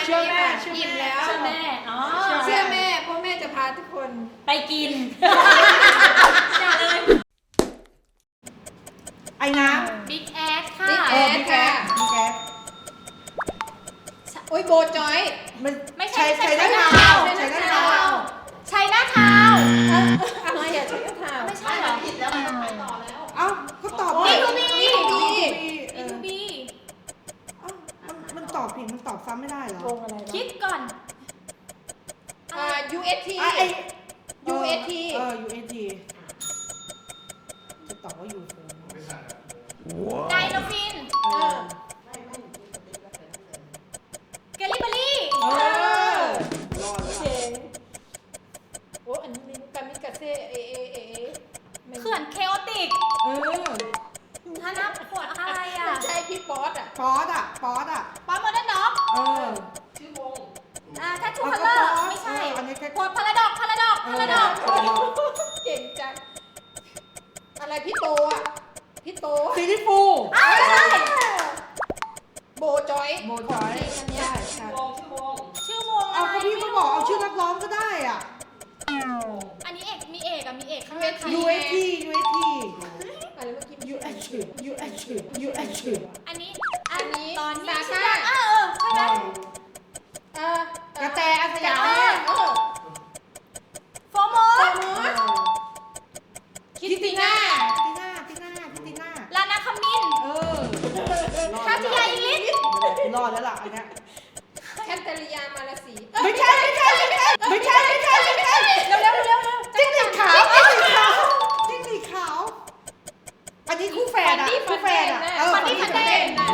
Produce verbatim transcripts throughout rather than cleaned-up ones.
ชื่อแม่อิ่มแล้วเชื่อแม่อ๋อเชื่อแม่เพราะแม่จะพาทุกคนไปกินอย่าเลยไอ้น้ำบิ๊กแอดค่ะบิ๊กแอดค่ะบิ๊กแอดโอ้ยโบจอยมันไม่ใช่ใช้ใช้ได้หน้าเท้าเท้าใช้ได้เท้าใช้หน้าเท้าอะไรอย่าใช้กระถางไม่ใช่เหรอผิดแล้วมันต้องไปต่อแล้วเอ้าก็ตอบบีผิดทูบีบีทูบีเอบีอทูบีเอ้ามันมันตอบผิดมันตอบซ้ำไม่ได้เหรอวงอะไรคิดก่อนอ่า ยู เอส ทีอ่ะไอ้ยู เอส ทีเออ ยู เอส ที จะตอบว่ายูโฟนไดโนฟินเออเกลิเบอรี่เออรอดแล้วเจ๋งโอ้อันนี้กามิกาเซ่เอเอเอเอเขื่อนเคโอติกเออถ้านับขวดอะไรอ่ะมันใช่พี่ป๊อตอ่ะป๊อดอ่ะป๊อดอ่ะป๊อปโมเดิร์นด็อกเออชื่อวงอ่าแททูคัลเลอร์ไม่ใช่เอออันนี้แค่ขวดพาราดอกพาราดอกพาราดอกเก่งจังอะไรพี่โตอ่ะพี่โตซีรีส์ฟูอ้าวใช่โบจอยโบจอยจริงอันเนี้ยใช่ชื่อวงชื่อวงชื่อวงเอาอะไรก็พี่ก็บอกเอาชื่อนักร้องก็ได้อ่ะอันนี้เอกมีเอกอะมีเอกข้างในยู เอส ที ยู เอส ทีอะไรเมื่อกี้ยู เอส ที ยู เอส ที ยู เอส ทีอันนี้อันนี้ตอนนี้ซาชื่อซ่าเออใช่ไหมเออกระแตอาสยามเออเออโฟโมโฟสมอสคิตติน่าคิตติน่าคิตติน่าคิตติน่าลานาคามินเออคาติยาอิลิสรอดแล้วล่ะอันเนี้ยแคทเธอรียามาลาสีไม่ใช่ไม่ใช่ไม่ใช่ไม่ใช่ไม่ใช่ไม่ใช่เร็วเร็วเร็วเร็วจิ้งหรีดขาวจิ้งหรีดขาวจิ้งหรีดขาว อันนี้คู่แฝดอ่ะคู่แฝดอ่ะเออฟันดี้ฟันเดนนะ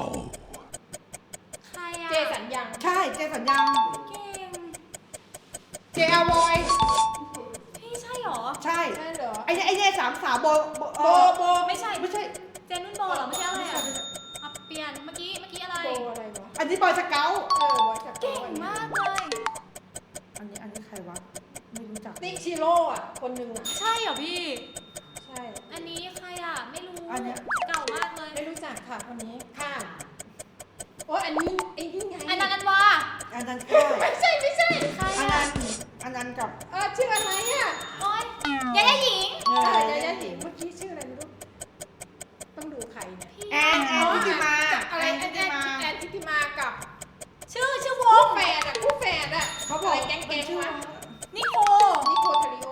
ใครอะเจสันยังใช่เจสัญญังเก่งเจอาวอยพี่ใช่เหรอใช่ใช่เหรอไอ้เนี่ยไอ้เนี่ยสามสาวโบโบโบโบไม่ใช่ไม่ใช่เจนนุ่นโบเหรอไม่ใช่อะไรอะอ่ะเปลี่ยนเมื่อกี้เมื่อกี้อะไรโบอะไรวะอันนี้บอยสเกลเออบอยสเก่งมากเลยอันนี้อันนี้ใครวะไม่รู้จักติ๊กชิโร่อ่ะคนหนึ่งอ่ะใช่เหรอพี่ใช่อันนี้ใครอะไม่รู้อันเนี้ยเก่ามากเลยไม่รู้จักค่ะคนนี้ข้ามโอ้อันนี้ไอ้นี่ไงอันนั้นอันวาอันนั้นใช่ไม่ใช่ไม่ใช่ใครอันอะนั้นอันนั้นกับเออชื่ออะไรอ่ะโอ๊ยยายาหญิงเอเอออยายาหญิงเมื่อกี้ชื่ออะไรไม่รู้ต้องดูใครเนี่ยพี่แอนแอนทิติมาอะไรแอนแอทินติมาแอนทิติมากับชื่อชื่อวคู่งแฝดอ่ะคู่แฝดอ่ะเขาบอกอะไรแก๊งมันๆชื่อวะนิโคนิโคทาริโอ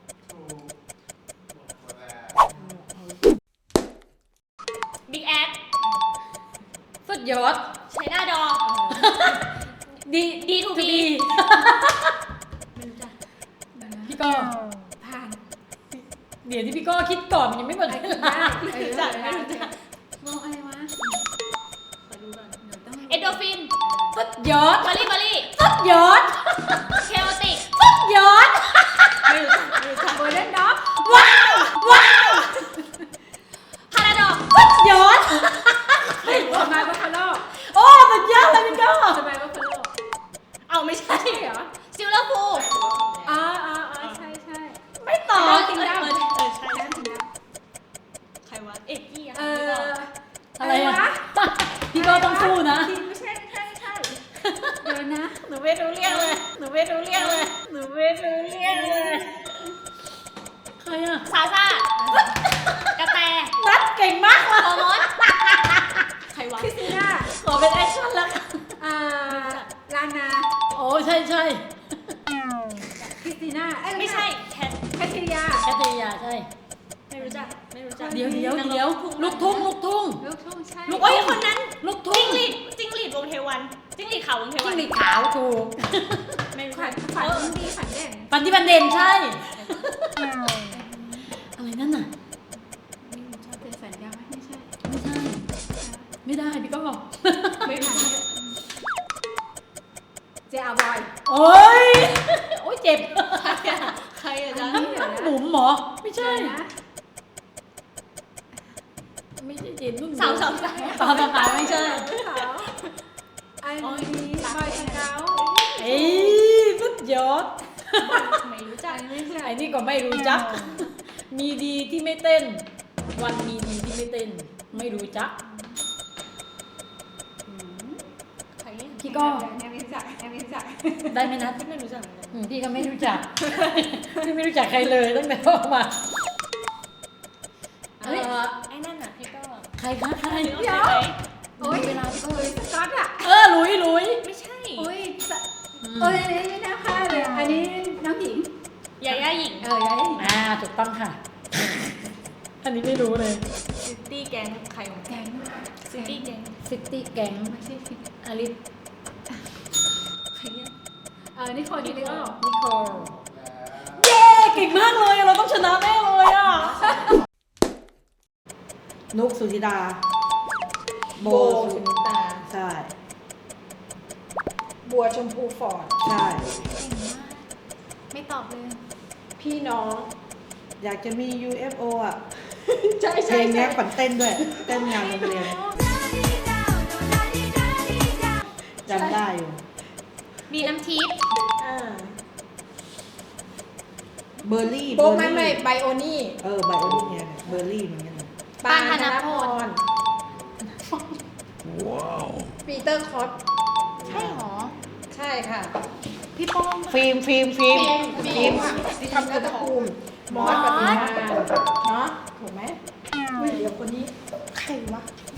บิ๊กแอดสุดยอดใช้หน้าดอดีดีทูบีไม่รู้จักพี่ก็ผ่านเดี๋ยวที่พี่ก็คิดก่อนมันยังไม่หมดเวลาไม่ไม่รู้รู้จัจักกไม่ไม่รู้รู้จัจักกวงอะไรวะขอดูก่อนเดี๋ยวต้องเอโดฟินสุดยอดบารี่บารี่สุดยอดเคโอติกสุดยอดไม่รู้จักไม่รู้จักโบเล่นด็อกว้าวว้าวพาราดอกสุดยอดทำไมบัฟฟาโลโอ้สุดยอดเลยพี่ก็ทำไมบัฟฟาโลเอาไม่ใช่ใช่เหรอซิลเลอร์ฟูอ๋ออ๋ออ๋อใช่ใช่ไม่ตอบเอเอออจริงเอนะอเออใช่ใช่จริงนะใครวะเอกกี้อะเอออะไรอะพี่ก็ต้องสู้นะไม่ใช่ไม่ใช่ไม่ใช่เดี๋ยวนะหนูไม่รู้เรื่องเลย หนูไม่รู้เรื่องเลย หนูไม่รู้เรื่องเลย ใครอะซาซ่ากระแต นัดเก่งมากเลยโอมดใครวะคริสติน่าขอเป็นแอคชั่นแล้วกันอ่าลานาโอ้ใช่ใช่คริสติน่าเอ้ยไม่ใช่แคทแคทริยาแคทริยาใช่ ไม่รู้จัก ไม่รู้จัก เดี๋ยวเดี๋ยวเดี๋ยวลูกทุ่งลูกทุ่งลูกทุ่งใช่ลูกโอ้ยคนนั้น ลูกทุ่งจิ้งหรีดจิ้งหรีดวงเทวัน จิ้งหรีดขาววงเทวันจิ้งหรีดขาวถูกไม่รู้ฝัจันกฝันเออดีฝันเด่นปันที่บันเด่นใช่ อะไรนั่นน่ะไม่รู้ชอบเป็นฝันยาวไหมไม่ใช่ไม่ใช่ ไม่ได้พี่ก็บอกไม่ทันเจอาบอยโอ้ย โอ้ยเจ็บ ใครอะใครอะจ๊ะอันนี้เหรอหนุ่มหมอ ไม่ใช่เดี๋ยวนะไม่ใช่เจ็บนุ่นสาวสาวสาวสาวสาวไม่ใช่สาวอันนี้บอยสเกาเอ้ยสุดยอดไม่รู้จักไม่ใช่ไอ้นี่ก็ไม่รู้จัก มีดีที่ไม่เต้น วันมีดีที่ไม่เต้น ไม่รู้จักใครพี่ก็ยังไม่จักยังไม่รู้จักได้ไหมนัดไม่รู้จักเหมือนกันอืมพี่ก็ไม่รู้จัก พี่ไม่รู้จักใครเลยตั้งแต่เข้ามาเออไอ้นั่นน่ะพี่ก็ใครคะใครเดี๋ยวโอ้ยเวลาเอ้ยสก๊อตอ่ะเออหลุยหลุยไม่ใช่โอ้ยสะโอ้ยอันนี้น่าพลาดเลยอันนี้น้องหญิงยาย่าหญิงเออยายหญิงอ่าถูกต้องค่ะ อันนี้ไม่รู้เลยซิตี้แก๊งใครของแก๊งซิตี้แก๊งซิตี้แก๊งไม่ใช่สิอลิสใครเนี่ยเออนี่คนที่เรียกว่านิโคลเย้เก่งมากเลยเราต้องชนะแน่เลยอ่ะนุกสุธิดา โบโบสุสุนิตาใช่บัวชมพูฟอร์ดใช่ไม่ตอบเลยพี่น้องอยากจะมี ยู เอฟ โอ อ่ะใช่เพใช่ลงใช่เนี้ยขวัญเต้นด้วย เต้นงานโรงเรียนจำได้อยู่มีน้ำทิพย์อ่าเบอร์รี่โบไม่ไม่ไบโอนี่เออไบโอนี่เนี่ยเบอร์รี่เหมือนกันเลยปานธนพรปีเตอร์คอตใช่หรอใช่ค่ะพี่โป้งฟิล์มฟิล์มฟิล์มฟิล์มที่ทำกระตูมมอสปฏิมาเนาะถูกไหมอุ้ยเดี๋ยวคนนี้ใครวะ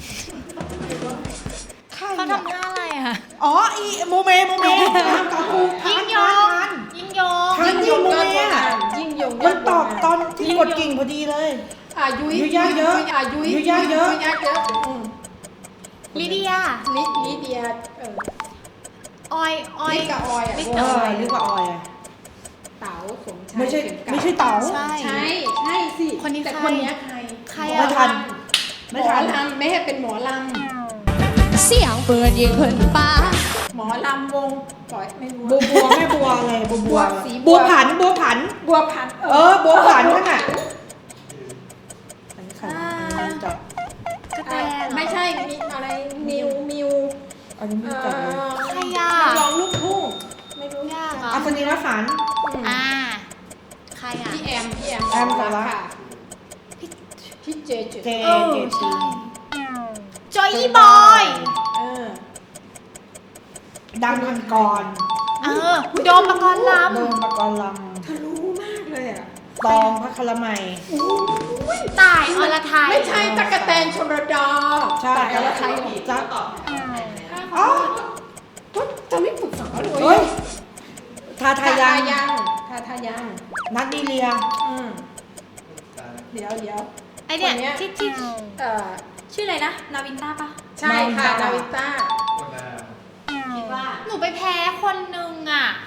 ใครเขาอะทำท่าอะไรอ่ะอ๋ออีโมเมโมเมทำกับกูทายิ่นงยทาง นทานยิ่งยงทานยิ่งโมเมอ่ะยิ่งยงมันตอบตอนที่กดกิ่งพอดีเลยอ่ะยุ้ยยุ้ยยากเยอะอ่ะยุ้ยยุ้ยยากเยอะยุ้ยยากเยอะอืมลิเดียลิลิเดียเออออยออยลิกับออยอ่ะลิเออนึกว่าออยอะเต๋าสมชายไม่ใช่เข็กลัดไม่ใช่เต๋าใช่ใช่ใช่สิคนนี้แต่ใครคนเนี้ยใครใครไม่อ่ะทันหไม่มทัอน ลำไม่ให้เป็นหมอลเสียงเปิดยิงเพิ่นป้าำหมอลำวงปล่อยไม่รู้บัวบัวแม่บัวอะไรบัวบัวบัวสีบับัววผันบัวผันบัวพันเออบัวผันนั่นน่ะอันนี้ใครอันนี้จับกระแตอ่ะเหรอไม่ใช่มีอะไรนิวมิวอันนี้ไม่เอ่จับเลยอใครอ่ะนักร้องลูกทุ่งไม่รู้ยากอ่ะอัศนีรฝันอืมอ่า ใครอ่ะพี่แอมพี่แอมแอมสาระค่ะพี่พี่เจเจเจเออเจใช่จีจอยอีบอยเออดังพันกรเออ โดมปกรณ์ลโดมปกรณ์ลเธอรู้มากเลยอ่ะำตองพระคลมัยำตายอรไทยไม่ใช่ตะกะแตนชลดาใช่แต่ละใครจ๊ะอ๋อก็จะไม่ปรึกษาเลยเฮ้ยทาทาทายังยังทาทายังนัดดีเลียอืมเดี๋ยวเดี๋ยวไอเนี่ยคนเนี้ยที่ที่เอ่อชื่ออะไรนะ นาวินต้าปะใช่ค่ะนาวินต้าคิดว่าหนูไปแพ้คนนึงอ่ะ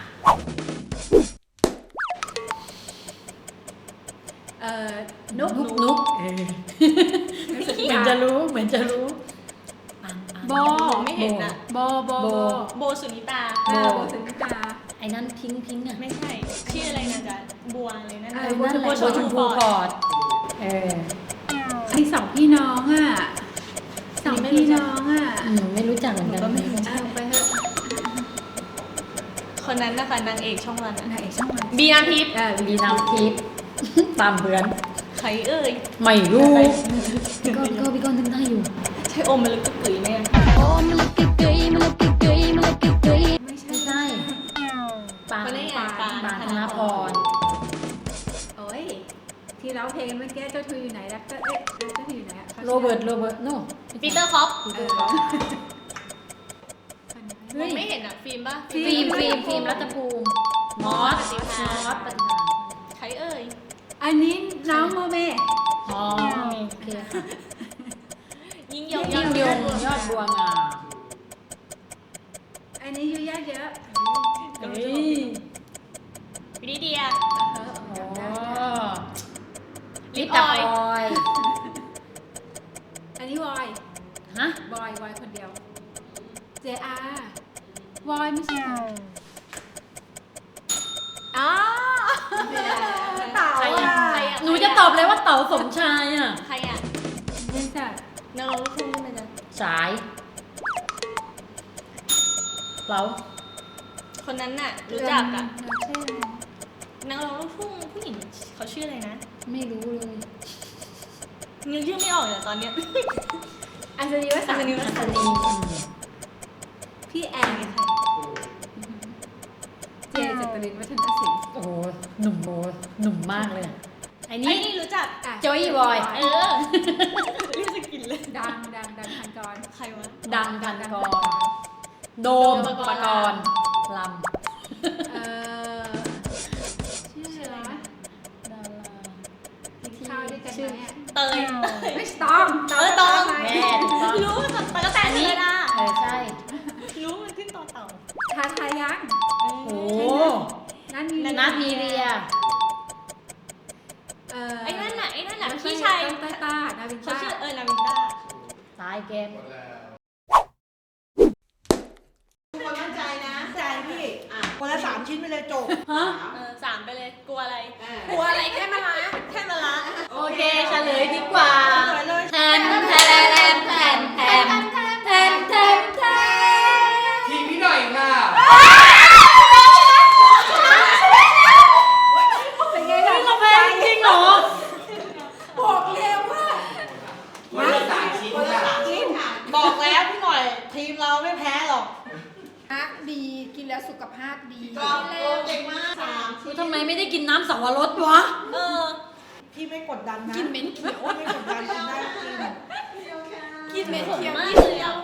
เอ่อนุกนุกนุกเหมือนจะรู้ เหมือนจะรู้โบไม่เห็นอ่ะโบโบโบโบสุนิตาเออโบสุนิตาไอ้นั่นพิงพิงอ่ะไม่ใช่ ชื่ออะไรนะจ๊ะบัวอะไรนั่นเอไอ้อนั่นแหละบัโบวชมพูพอร์ตเออไอสองพี่น้องอ่ะสองพี่น้องอ่ะหนูไม่รู้จักเหมือนกันเอาไปเถอะคนนั้นนะคะนางเอกช่องวันไหนช่างมันบีน้ำทิพย์เออมีน้ำทิพย์ ตามเพื่อนใครเอ่ยไม่รู้พี่ก้อนพี่ก้อนพี่ก้อนนึกได้อยู่ใช่อมมันลึกกึกกึ๋ยไหมอะโอ้มันลึกกึกกึยมันลึกกึกกึยมันลึกกึกกึยไม่ใช่ไม่ใช่ปานคนนี้ไงปานปานธนพรโอ้ยที่ร้องเพลงเมื่อกี้เจ้าทุยอยู่ไหนแล้วก็เอ๊ะเจ้าทุยอยู่ไหนอะขาโรเบิร์ตโรเบิร์ตโน่ปีเตอร์คอปเออมองไม่เห็นอ่ะ ฟิล์มป่ะฟิล์มฟิล์มฟิล์มรัตภูมิมอสมอสปฏิภาณใครเอ่ยอันนี้น้องโมเมอ๋อโอเคค่ะยิ่งยงยิ่งยงยอดบัวงามอันนี้อยู่ยากเยอะเฮ้ยวินิเดียเอออ๋อลิลิปปอออยอยอันนี้วอยฮะบอยวอยคนเดียว เจอาร์วอยไม่ใช่อ๋อเต่าใครอ่ะอ่ะใครอ่ะหนูจะตอบเลยว่าเต๋าสมชายอ่ะใครอ่ะไม่ใช่นักร้องลูกทุ่งใช่ไหมจ๊ะสายเราคนนั้นน่ะ รู้จักอ่ะเชื่ออะไรนักร้องลูกทุ่งผู้หญิงเขาชื่ออะไรนะไม่รู้เลยนึกชื่อไม่ออกเลยตอนเนี้ยอัศนีวสันต์อัศนีวอัสัศนต์นีพี่แอนอรินทร์วัฒนศิลป์โอ้โหหนุ่มโบหนุ่มมากเลยอะไอ้ไอ้นี่นี่รู้จักอ่ะโจอี้บอยเออรู้สึกกินเลยดังดังดังพันกรใครวะดังพันกรโดมปกรณ์ลเอ่อชื่ออะไรนะำดารากินข้าวด้วยกันไหมอ่ะเตยไม่ตองเออตองแม่ถูกต้องรู้จักตะกะแตนเลยนะเออใช่รู้มันขึ้นต่อเต่าทาทายังโอ้โหนั่นมีนัทมีเรียเอ่อไอ้นั่นน่ะไอ้นั่นน่ะไม่ใพี่ชายต้าต้านาวินเขาต้าชื่อเออนาวินต้าตายเกมทุกคนมั่นใจนะใจพี่อ่ะคนละสามชิ้นไปเลยจบฮะเออสามไปเลยกลัวอะไรอ่ะกลัวอะไรแค่มาละแค่มาละโอเคเฉลยดีกว่าเฉลยเลยแทนแทนแทนแทนแทนแทนแทนแทนทีมพี่หน่อยค่ะเป็นไงล่ะเราแพ้จริงเหรอบอกเร็วว่าคนละสามชิ้นคนละค่ะสามชิ้นค่ะบอกแล้วพี่หน่อย ทีมเราไม่แพ้หรอกฮักดีกินแล้วสุขภาพดีก็เก่งมากสามชิ้นทำไมไม่ได้กินน้ำสับปะรดวะเออพี่ไม่กดดันนะกินเหม็นเขียวไม่กดดันกินได้กินกินเหม็นผมเขียวมากนี่เลยอ่ะ